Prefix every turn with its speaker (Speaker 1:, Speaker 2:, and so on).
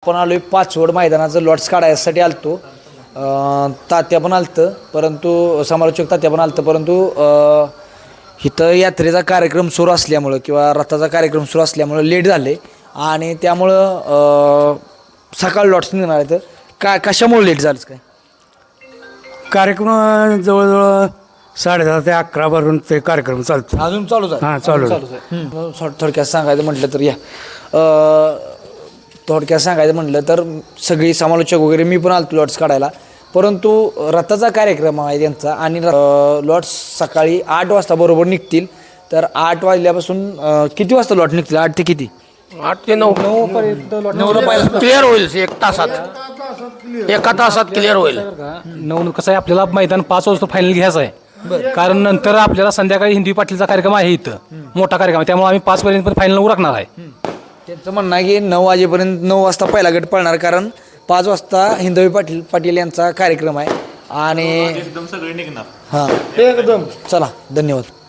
Speaker 1: आपण आलोय पाचवड मैदानाचं लॉट्स काढायसाठी आलतो. तात्या पण आलतं, परंतु समालोचक तात्या पण आलतं, परंतु इथं यात्रेचा कार्यक्रम सुरू असल्यामुळं किंवा रथाचा कार्यक्रम सुरू असल्यामुळं लेट झाले आणि त्यामुळं सकाळ लॉट्स निघणार आहेत. कशामुळे लेट झालं काय?
Speaker 2: कार्यक्रम जवळजवळ 10:30 ते 11 पर्यंत ते कार्यक्रम चालतो.
Speaker 1: अजून चालूच आहे?
Speaker 2: हां, चालू
Speaker 1: थोडक्यात सांगायचं म्हटलं तर थोडक्यात सांगायचं म्हटलं तर सगळी समालोचक वगैरे मी पण आलतो लॉट्स काढायला, परंतु रथाचा कार्यक्रम आहे त्यांचा आणि लॉट्स सकाळी 8 वाजता बरोबर निघतील. तर 8 वाजल्यापासून किती वाजता लॉट निघतील? 8 ते किती?
Speaker 3: 8 ते 9 क्लिअर होईल. एका तासात क्लिअर होईल.
Speaker 4: 9 कसं आहे, आपल्याला मैदान 5 वाजता फायनल घ्यायचं आहे, कारण नंतर आपल्याला संध्याकाळी हिंदी पाटीलचा कार्यक्रम आहे इथं, मोठा कार्यक्रम आहे, त्यामुळे आम्ही 5 पर्यंत फायनल उरकणार आहे.
Speaker 1: त्यांचं म्हणणं आहे की 9 वाजेपर्यंत 9 वाजता पहिला गट पळणार, कारण 5 वाजता हिंदवी पाटील यांचा कार्यक्रम आहे आणि हां एकदम चला धन्यवाद.